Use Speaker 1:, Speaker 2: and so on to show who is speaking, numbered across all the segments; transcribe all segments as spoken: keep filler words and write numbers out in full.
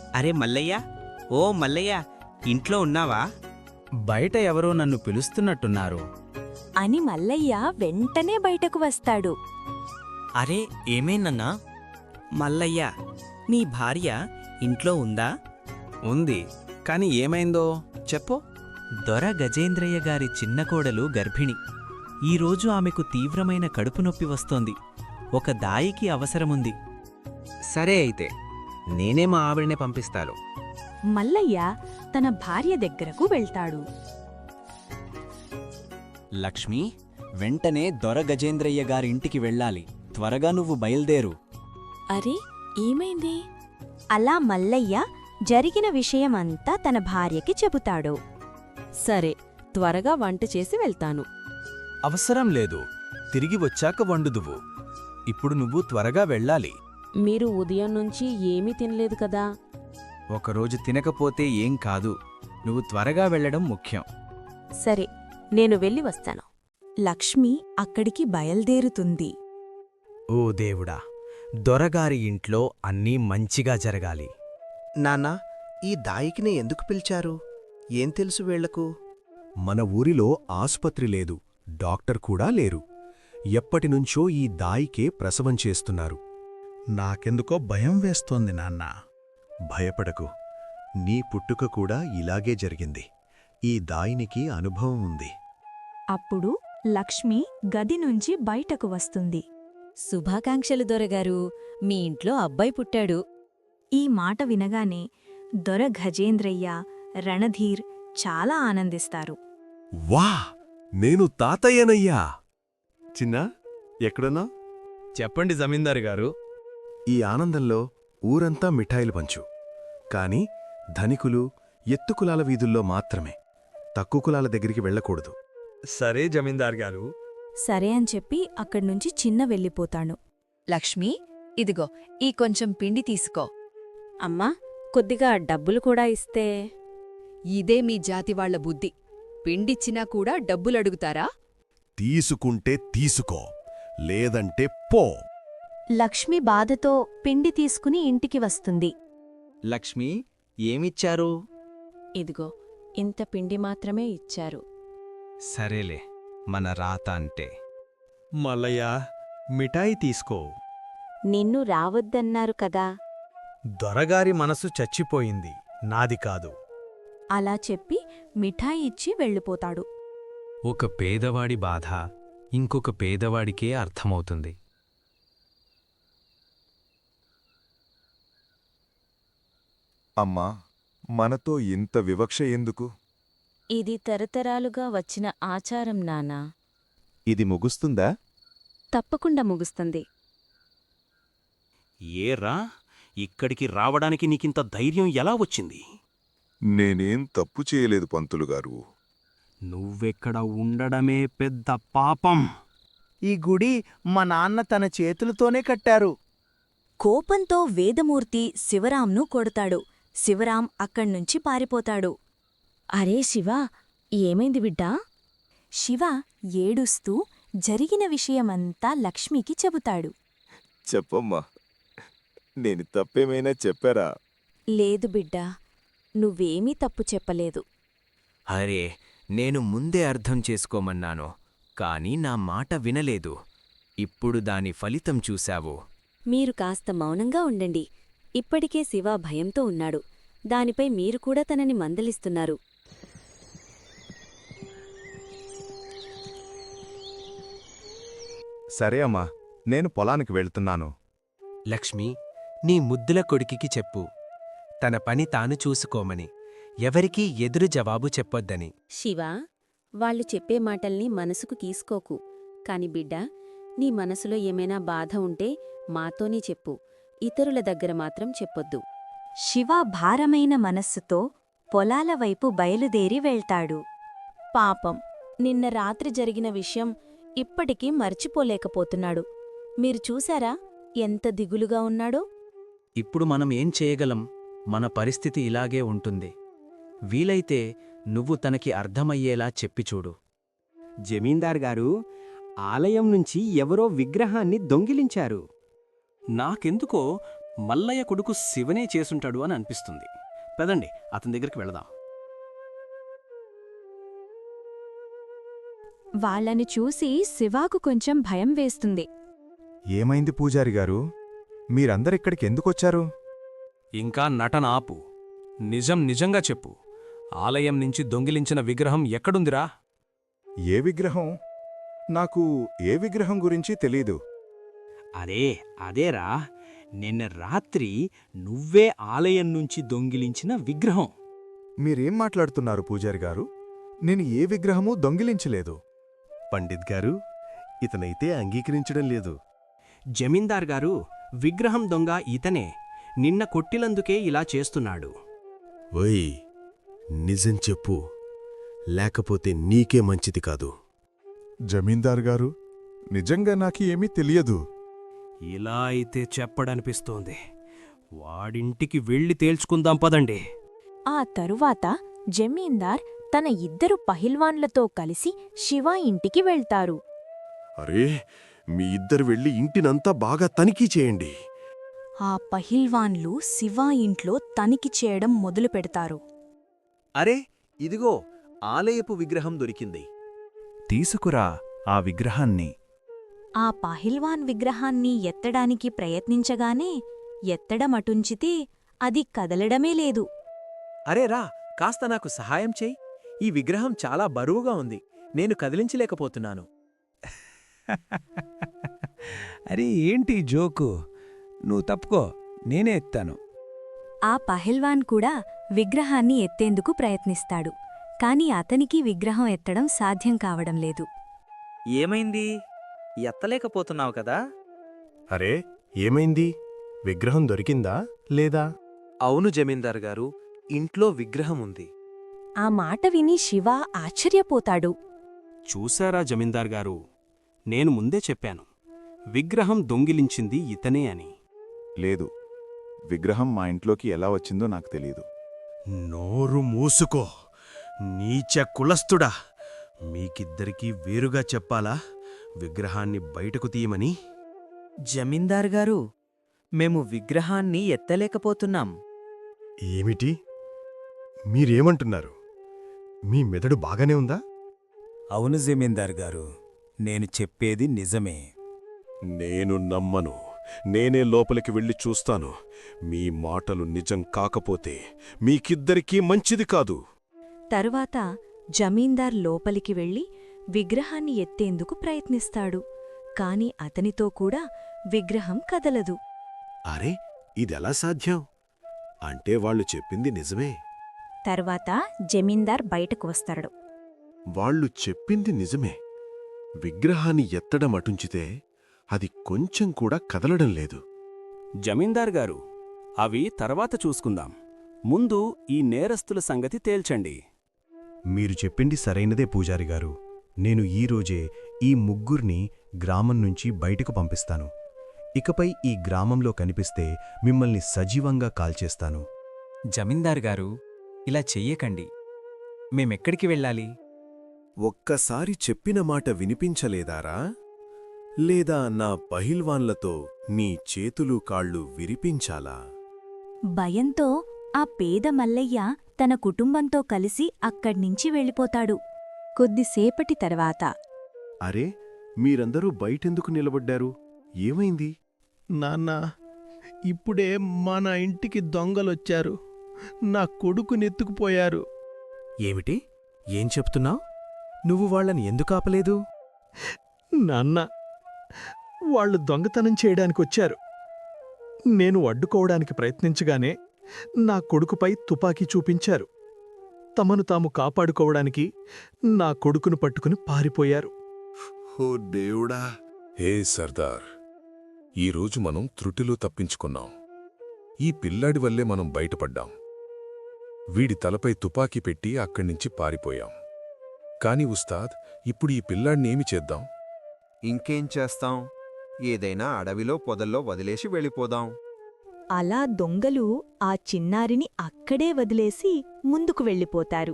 Speaker 1: అరే మల్లయ్య, ఓ మల్లయ్య, ఇంట్లో ఉన్నావా?
Speaker 2: బయట ఎవరో నన్ను పిలుస్తున్నట్టున్నారు.
Speaker 3: అని మల్లయ్య వెంటనే బయటకు వస్తాడు.
Speaker 1: అరే ఏమైందన్నా? మల్లయ్య, నీ భార్య ఇంట్లో ఉందా?
Speaker 2: ఉంది, కాని ఏమైందో చెప్పు.
Speaker 4: దొర గజేంద్రయ్య గారి చిన్న కోడలు గర్భిణి. ఈరోజు ఆమెకు తీవ్రమైన కడుపు నొప్పి వస్తోంది. ఒక దాయికి అవసరముంది.
Speaker 5: సరే అయితే నేనే మా ఆవిడనే పంపిస్తాను.
Speaker 3: మల్లయ్య తన భార్య దగ్గరకు వెళ్తాడు.
Speaker 4: లక్ష్మి, వెంటనే దొర గజేంద్రయ్య గారింటికి వెళ్ళాలి. త్వరగా నువ్వు బయల్దేరు.
Speaker 3: అరే ఏమైంది? అలా మల్లయ్య జరిగిన విషయమంతా తన భార్యకి చెబుతాడు. సరే, త్వరగా వంట చేసి వెళ్తాను.
Speaker 2: అవసరం లేదు, తిరిగి వచ్చాక వండుదువు. ఇప్పుడు నువ్వు త్వరగా వెళ్ళాలి.
Speaker 3: మీరు ఉదయం నుంచి ఏమీ తినలేదు కదా?
Speaker 2: ఒకరోజు తినకపోతే ఏం కాదు, నువ్వు త్వరగా వెళ్ళడం ముఖ్యం.
Speaker 3: సరే, నేను వెళ్ళి వస్తాను. లక్ష్మి అక్కడికి బయల్దేరుతుంది.
Speaker 2: ఓ దేవుడా, దొరగారి ఇంట్లో అన్నీ మంచిగా జరగాలి.
Speaker 6: నాన్నా, ఈ దాయికిని ఎందుకు పిలిచారు? ఏం తెలుసు వీళ్లకు?
Speaker 7: మన ఊరిలో ఆసుపత్రి లేదు, డాక్టర్ కూడా లేరు. ఎప్పటినుంచో ఈ దాయికే ప్రసవం చేస్తున్నారు.
Speaker 8: నాకెందుకో భయం వేస్తోంది నాన్నా.
Speaker 7: భయపడకు, నీ పుట్టుక కూడా ఇలాగే జరిగింది. ఈ దాయినికి అనుభవం ఉంది.
Speaker 3: అప్పుడు లక్ష్మి గది నుంచి బయటకు వస్తుంది. శుభాకాంక్షలు దొరగారు, మీ ఇంట్లో అబ్బాయి పుట్టాడు. ఈ మాట వినగానే దొర గజేంద్రయ్య, రణధీర్ చాలా ఆనందిస్తారు.
Speaker 7: వా, నేను తాతయ్యనయ్యా! చిన్నా, ఎక్కడున్నా?
Speaker 2: చెప్పండి జమీందారు గారు.
Speaker 7: ఈ ఆనందంలో ఊరంతా మిఠాయిలు పంచు. కాని ధనికులు, ఎత్తుకులాల వీధుల్లో మాత్రమే. తక్కువ కులాల దగ్గరికి వెళ్ళకూడదు.
Speaker 2: సరే జమీందారు గారు.
Speaker 3: సరే అని చెప్పి అక్కడ్నుంచి చిన్న వెళ్ళిపోతాను.
Speaker 9: లక్ష్మి, ఇదిగో ఈ కొంచెం పిండి తీసుకో.
Speaker 3: అమ్మా, కొద్దిగా డబ్బులు కూడా ఇస్తే.
Speaker 9: ఇదే మీ జాతివాళ్ల బుద్ధి. పిండిచ్చినా కూడా డబ్బులడుగుతారా?
Speaker 7: తీసుకుంటే తీసుకో, లేదంటే పో.
Speaker 3: లక్ష్మి బాధతో పిండి తీసుకుని ఇంటికి వస్తుంది.
Speaker 5: లక్ష్మి, ఏమిచ్చారు?
Speaker 3: ఇదిగో ఇంత పిండి మాత్రమే ఇచ్చారు.
Speaker 5: సరేలే, మన రాత అంటే.
Speaker 8: మల్లయ్య, మిఠాయి తీసుకో.
Speaker 3: నిన్ను రావద్దన్నారు కదా.
Speaker 8: దొరగారి మనసు చచ్చిపోయింది, నాది కాదు.
Speaker 3: అలా చెప్పి మిఠాయి ఇచ్చి వెళ్ళిపోతాడు.
Speaker 5: ఒక పేదవాడి బాధ ఇంకొక పేదవాడికే అర్థమవుతుంది.
Speaker 10: అమ్మా, మనతో ఇంత వివక్ష ఎందుకు?
Speaker 3: ఇది తరతరాలుగా వచ్చిన ఆచారం నానా.
Speaker 10: ఇది ముగుస్తుందా?
Speaker 3: తప్పకుండా ముగుస్తుంది.
Speaker 1: ఏరా, ఇక్కడికి రావడానికి నీకింత ధైర్యం ఎలా వచ్చింది?
Speaker 10: నేనేం తప్పు చేయలేదు పంతులుగారు.
Speaker 1: నువ్వెక్కడ ఉండడమే పెద్ద పాపం.
Speaker 6: ఈ గుడి మా నాన్న తన చేతులతోనే కట్టారు.
Speaker 3: కోపంతో వేదమూర్తి శివరాంను కొడతాడు. శివరాం అక్కడ్నుంచి పారిపోతాడు. అరే శివ, ఏమైంది బిడ్డా? శివ ఏడుస్తూ జరిగిన విషయమంతా లక్ష్మికి చెబుతాడు.
Speaker 10: చెప్పమ్మా, నేను తప్పేమైనా చెప్పారా?
Speaker 3: లేదు బిడ్డా, నువ్వేమీ తప్పు చెప్పలేదు.
Speaker 5: అరే, నేను ముందే అర్థం చేసుకోమన్నాను, కాని నా మాట వినలేదు. ఇప్పుడు దాని ఫలితం చూశావు.
Speaker 3: మీరు కాస్త మౌనంగా ఉండండి. ఇప్పటికే శివ భయంతో ఉన్నాడు. దానిపై మీరు కూడా తనని మందలిస్తున్నారు.
Speaker 10: సరే అమ్మా, నేను పొలానికి వెళ్తున్నాను.
Speaker 5: లక్ష్మి, నీ ముద్దుల కొడుకికి చెప్పు, తన పని తాను చూసుకోమని, ఎవరికీ ఎదురు జవాబు చెప్పొద్దని.
Speaker 3: శివ, వాళ్ళు చెప్పే మాటల్ని మనసుకు తీసుకోకు. కాని బిడ్డా, నీ మనసులో ఏమైనా బాధ ఉంటే మాతోనే చెప్పు. ఇతరుల దగ్గర మాత్రం చెప్పొద్దు. శివ భారమైన మనస్సుతో పొలాల వైపు బయలుదేరి వెళ్తాడు. పాపం, నిన్న రాత్రి జరిగిన విషయం ఇప్పటికీ మర్చిపోలేకపోతున్నాడు. మీరు చూశారా ఎంత దిగులుగా ఉన్నాడో?
Speaker 5: ఇప్పుడు మనం ఏం చేయగలం? మన పరిస్థితి ఇలాగే ఉంటుంది. వీలైతే నువ్వు తనకి అర్థమయ్యేలా చెప్పిచూడు.
Speaker 11: జమీందార్ గారు, ఆలయం నుంచి ఎవరో విగ్రహాన్ని దొంగిలించారు.
Speaker 1: నాకెందుకో మల్లయ్య కొడుకు శివనే చేసుంటాడు అని అనిపిస్తుంది. పదండి అతని దగ్గరికి వెళదాం.
Speaker 9: వాళ్ళని చూసి శివాకు కొంచెం భయం వేస్తుంది.
Speaker 10: ఏమైంది పూజారి గారు? మీరందరిక్కడికి ఎందుకొచ్చారు?
Speaker 12: ఇంకా నటన ఆపు. నిజం నిజంగా చెప్పు. ఆలయం నుంచి దొంగిలించిన విగ్రహం ఎక్కడుందిరా?
Speaker 10: ఏ విగ్రహం? నాకు ఏ విగ్రహం గురించి తెలీదు.
Speaker 1: అరే అదేరా, నిన్న రాత్రి నువ్వే ఆలయం నుంచి దొంగిలించిన విగ్రహం.
Speaker 10: మీరేం మాట్లాడుతున్నారు పూజారి గారు? నేను ఏ విగ్రహమూ దొంగిలించలేదు.
Speaker 2: పండిత్ గారు, ఇతనైతే అంగీకరించడం లేదు.
Speaker 1: జమీందార్ గారు, విగ్రహం దొంగ ఇతనే. నిన్న కొట్టిలందుకే ఇలా చేస్తున్నాడు.
Speaker 2: ఓయ్, నిజం చెప్పు, లేకపోతే నీకే మంచిది కాదు.
Speaker 10: జమీందార్ గారు, నిజంగా నాకు ఏమీ తెలియదు.
Speaker 1: ఇలా అయితే చెప్పడనిపిస్తోంది. వాడింటికి వెళ్ళి తేల్చుకుందాం పదండి.
Speaker 9: ఆ తరువాత జమీందార్ తన ఇద్దరు పహిల్వాన్లతో కలిసి శివ ఇంటికి వెళ్తారు.
Speaker 2: అరే, మీ ఇద్దరు వెళ్ళి ఇంటినంతా బాగా తనిఖీ చేయండి.
Speaker 9: ఆ పహిల్వాన్లు శివ ఇంట్లో తనిఖీ చేయడం మొదలు పెడతారు.
Speaker 2: అరే, ఇదిగో ఆలయపు విగ్రహం దొరికింది.
Speaker 7: తీసుకురా ఆ విగ్రహాన్ని.
Speaker 9: ఆ పహిల్వాన్ విగ్రహాన్ని ఎత్తడానికి ప్రయత్నించగానే ఎత్తడమటుంచితే అది కదలడమే లేదు.
Speaker 5: అరే రా, కాస్త నాకు సహాయం చెయ్యి. ఈ విగ్రహం చాలా బరువుగా ఉంది, నేను కదిలించలేకపోతున్నాను.
Speaker 8: అరే ఏంటి జోకు? నువ్వు తప్పుకో, నేనే ఎత్తాను.
Speaker 9: ఆ పహిల్వాన్ కూడా విగ్రహాన్ని ఎత్తేందుకు ప్రయత్నిస్తాడు. కాని అతనికి విగ్రహం ఎత్తడం సాధ్యం కావడం లేదు.
Speaker 4: ఏమైంది? ఎత్తలేకపోతున్నావు కదా?
Speaker 2: అరే, ఏమైంది? విగ్రహం దొరికిందా లేదా?
Speaker 5: అవును జమీందార్ గారు, ఇంట్లో విగ్రహం ఉంది.
Speaker 9: ఆ మాట విని శివ ఆశ్చర్యపోతాడు.
Speaker 1: చూశారా జమీందార్ గారు, నేను ముందే చెప్పాను, విగ్రహం దొంగిలించింది ఇతనే అని.
Speaker 10: లేదు, విగ్రహం మా ఇంట్లోకి ఎలా వచ్చిందో నాకు తెలీదు.
Speaker 2: నోరు మూసుకో, నీచ కులస్తుడా! మీకిద్దరికీ వేరుగా చెప్పాలా విగ్రహాన్ని బయటకు తీయమని?
Speaker 4: జమీందార్ గారు, మేము విగ్రహాన్ని ఎత్తలేకపోతున్నాం.
Speaker 2: ఏమిటి? మీరేమంటున్నారు? మీ మెదడు బాగానే ఉందా?
Speaker 8: అవును జమీందార్ గారు, నేను చెప్పేది నిజమే.
Speaker 2: నేను నమ్మను. నేనే లోపలికి వెళ్ళి చూస్తాను. మీ మాటలు నిజం కాకపోతే మీకిద్దరికీ మంచిది కాదు.
Speaker 9: తరువాత జమీందార్ లోపలికి వెళ్ళి విగ్రహాన్ని ఎత్తేందుకు ప్రయత్నిస్తాడు. కాని అతనితో కూడా విగ్రహం కదలదు.
Speaker 2: అరే, ఇదెలా సాధ్యం? అంటే వాళ్ళు చెప్పింది నిజమే.
Speaker 9: తర్వాత జమీందార్ బయటకు వస్తాడు.
Speaker 2: వాళ్ళు చెప్పింది నిజమే. విగ్రహాన్ని ఎత్తడం అటుంచితే అది కొంచెం కూడా కదలడం లేదు.
Speaker 1: జమీందార్ గారు, అవి తర్వాత చూసుకుందాం. ముందు ఈ నేరస్తుల సంగతి తేల్చండి.
Speaker 2: మీరు చెప్పింది సరైనదే పూజారి గారు. నేను ఈరోజే ఈ ముగ్గుర్ని గ్రామం నుంచి బయటకు పంపిస్తాను. ఇకపై ఈ గ్రామంలో కనిపిస్తే మిమ్మల్ని సజీవంగా కాల్చేస్తాను.
Speaker 4: జమీందార్ గారు, ఇలా చెయ్యకండి. మేమెక్కడికి వెళ్ళాలి?
Speaker 2: ఒక్కసారి చెప్పిన మాట వినిపించలేదారా? లేదా నా పహిల్వాన్లతో నీ చేతులు కాళ్ళు విరిపించాలా?
Speaker 9: భయంతో ఆ పేద మల్లయ్య తన కుటుంబంతో కలిసి అక్కడ్నించి వెళ్ళిపోతాడు. కొద్దిసేపటి తర్వాత
Speaker 2: అరే, మీరందరూ బయటెందుకు నిలబడ్డారు? ఏమైంది?
Speaker 8: నాన్నా, ఇప్పుడే మన ఇంటికి దొంగలొచ్చారు. నా కొడుకునెత్తుకుపోయారు.
Speaker 2: ఏమిటి? ఏం చెప్తున్నావు? నువ్వు వాళ్ళని ఎందుకు ఆపలేదు?
Speaker 8: నాన్న, వాళ్ళు దొంగతనం చేయడానికొచ్చారు. నేను అడ్డుకోవడానికి ప్రయత్నించగానే నా కొడుకుపై తుపాకీ చూపించారు. తమను తాము కాపాడుకోవడానికి నా కొడుకును పట్టుకుని పారిపోయారు.
Speaker 2: ఓ దేవుడా!
Speaker 10: హే సర్దార్, ఈరోజు మనం త్రుటిలో తప్పించుకున్నాం. ఈ పిల్లాడి వల్లే మనం బయటపడ్డాం. వీడి తలపై తుపాకీ పెట్టి అక్కడ్నించి పారిపోయాం. కాని ఉస్తాద్, ఇప్పుడు ఈ పిల్లాడినేమి చేద్దాం?
Speaker 6: ఇంకేం చేస్తాం? ఏదైనా అడవిలో పొదల్లో వదిలేసి వెళ్ళిపోదాం.
Speaker 9: అలా దొంగలు ఆ చిన్నారిని అక్కడే వదిలేసి ముందుకు వెళ్ళిపోతారు.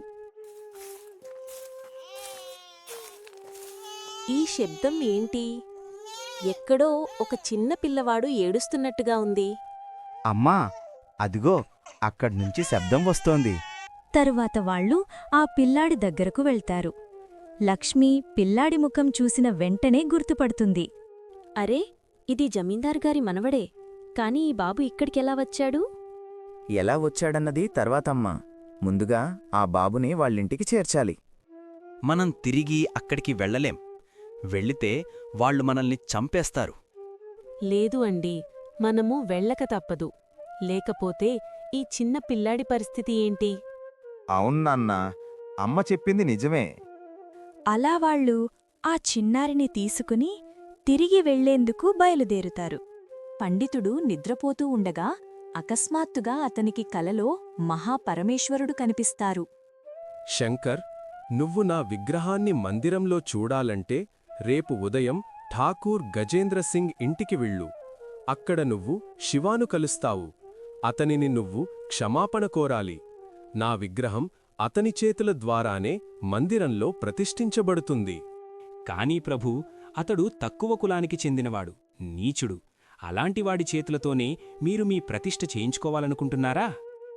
Speaker 3: ఈ శబ్దం ఏంటి? ఎక్కడో ఒక చిన్న పిల్లవాడు ఏడుస్తున్నట్టుగా ఉంది.
Speaker 13: అమ్మా అదిగో అక్కడ్నుంచి శబ్దం వస్తోంది.
Speaker 9: తరువాత వాళ్ళు ఆ పిల్లాడి దగ్గరకు వెళ్తారు. లక్ష్మి పిల్లాడి ముఖం చూసిన వెంటనే గుర్తుపడుతుంది.
Speaker 3: అరే, ఇది జమీందార్ గారి మనవడే. కాని ఈ బాబు ఇక్కడికెలా వచ్చాడు?
Speaker 13: ఎలా వచ్చాడన్నది తర్వాతమ్మా. ముందుగా ఆ బాబుని వాళ్ళింటికి చేర్చాలి.
Speaker 14: మనం తిరిగి అక్కడికి వెళ్ళలేం. వెళ్ళితే వాళ్ళు మనల్ని చంపేస్తారు.
Speaker 15: లేదు అండి, మనము వెళ్ళక తప్పదు. లేకపోతే ఈ చిన్న పిల్లాడి పరిస్థితి ఏంటి?
Speaker 13: అవునన్నా, అమ్మ చెప్పింది నిజమే.
Speaker 9: అలా వాళ్ళు ఆ చిన్నారిని తీసుకుని తిరిగి వెళ్లేందుకు బయలుదేరుతారు. పండితుడు నిద్రపోతూ ఉండగా అకస్మాత్తుగా అతనికి కలలో మహాపరమేశ్వరుడు కనిపిస్తారు.
Speaker 12: శంకర్, నువ్వు నా విగ్రహాన్ని మందిరంలో చూడాలంటే రేపు ఉదయం ఠాకూర్ గజేంద్ర సింగ్ ఇంటికి వెళ్ళు. అక్కడ నువ్వు శివాను కలుస్తావు. అతనిని నువ్వు క్షమాపణ కోరాలి. నా విగ్రహం అతని చేతుల ద్వారానే మందిరంలో ప్రతిష్ఠించబడుతుంది.
Speaker 1: కానీ ప్రభూ, అతడు తక్కువ కులానికి చెందినవాడు, నీచుడు. అలాంటివాడి చేతులతోనే మీరు మీ ప్రతిష్ఠ చేయించుకోవాలనుకుంటున్నారా?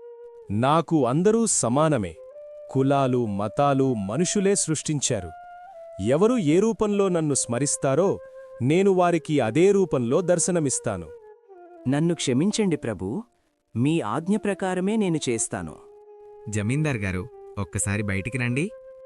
Speaker 12: నాకు అందరూ సమానమే. కులాలు, మతాలు మనుషులే సృష్టించారు. ఎవరు ఏ రూపంలో నన్ను స్మరిస్తారో నేను వారికి అదే రూపంలో దర్శనమిస్తాను.
Speaker 5: నన్ను క్షమించండి ప్రభూ, మీ ఆజ్ఞ ప్రకారమే నేను చేస్తాను.
Speaker 16: జమీందార్ గారు, ఒక్కసారి బయటికి రండి.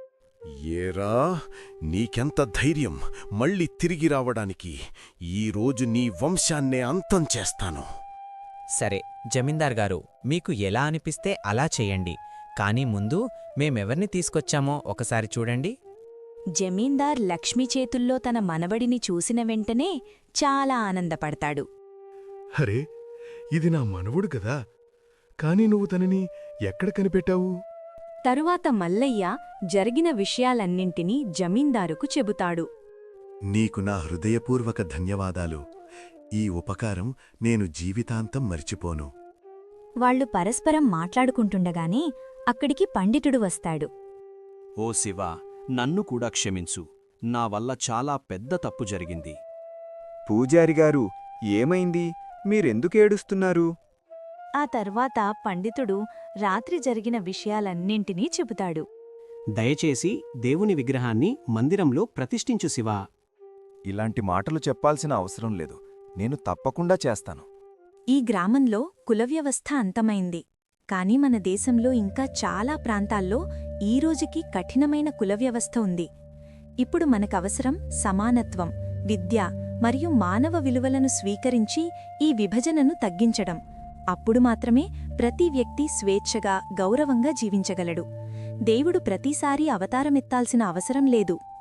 Speaker 7: ఏరా, నీకెంత ధైర్యం మళ్ళీ తిరిగి రావడానికి? ఈరోజు నీ వంశాన్నే అంతం చేస్తాను.
Speaker 4: సరే జమీందార్ గారు, మీకు ఎలా అనిపిస్తే అలా చెయ్యండి. కానీ ముందు మేమెవర్ని తీసుకొచ్చామో ఒకసారి చూడండి.
Speaker 9: జమీందార్ లక్ష్మి చేతుల్లో తన మనవడిని చూసిన వెంటనే చాలా ఆనందపడతాడు.
Speaker 7: అరే, ఇది నా మనవుడు కదా. కాని నువ్వు తనని ఎక్కడ కనిపెట్టావు?
Speaker 9: తరువాత మల్లయ్య జరిగిన విషయాలన్నింటినీ జమీందారుకు చెబుతాడు.
Speaker 2: నీకు నా హృదయపూర్వక ధన్యవాదాలు. ఈ ఉపకారం నేను జీవితాంతం మర్చిపోను.
Speaker 9: వాళ్లు పరస్పరం మాట్లాడుకుంటుండగానే అక్కడికి పండితుడు వస్తాడు.
Speaker 1: ఓ శివ, నన్ను కూడా క్షమించు. నా వల్ల చాలా పెద్ద తప్పు జరిగింది.
Speaker 13: పూజారిగారు, ఏమైంది? మీరెందుకేడుస్తున్నారు?
Speaker 9: ఆ తర్వాత పండితుడు రాత్రి జరిగిన విషయాలన్నింటినీ చెబుతాడు.
Speaker 1: దయచేసి దేవుని విగ్రహాన్ని మందిరంలో ప్రతిష్ఠించు శివా.
Speaker 13: ఇలాంటి మాటలు చెప్పాల్సిన అవసరం లేదు. నేను తప్పకుండా చేస్తాను.
Speaker 9: ఈ గ్రామంలో కులవ్యవస్థ అంతమైంది. కాని మన దేశంలో ఇంకా చాలా ప్రాంతాల్లో ఈరోజుకి కఠినమైన కులవ్యవస్థ ఉంది. ఇప్పుడు మనకవసరం సమానత్వం, విద్య మరియు మానవ విలువలను స్వీకరించి ఈ విభజనను తగ్గించడం. అప్పుడు మాత్రమే ప్రతి వ్యక్తి స్వేచ్ఛగా, గౌరవంగా జీవించగలడు. దేవుడు ప్రతిసారీ అవతారమెత్తాల్సిన అవసరం లేదు.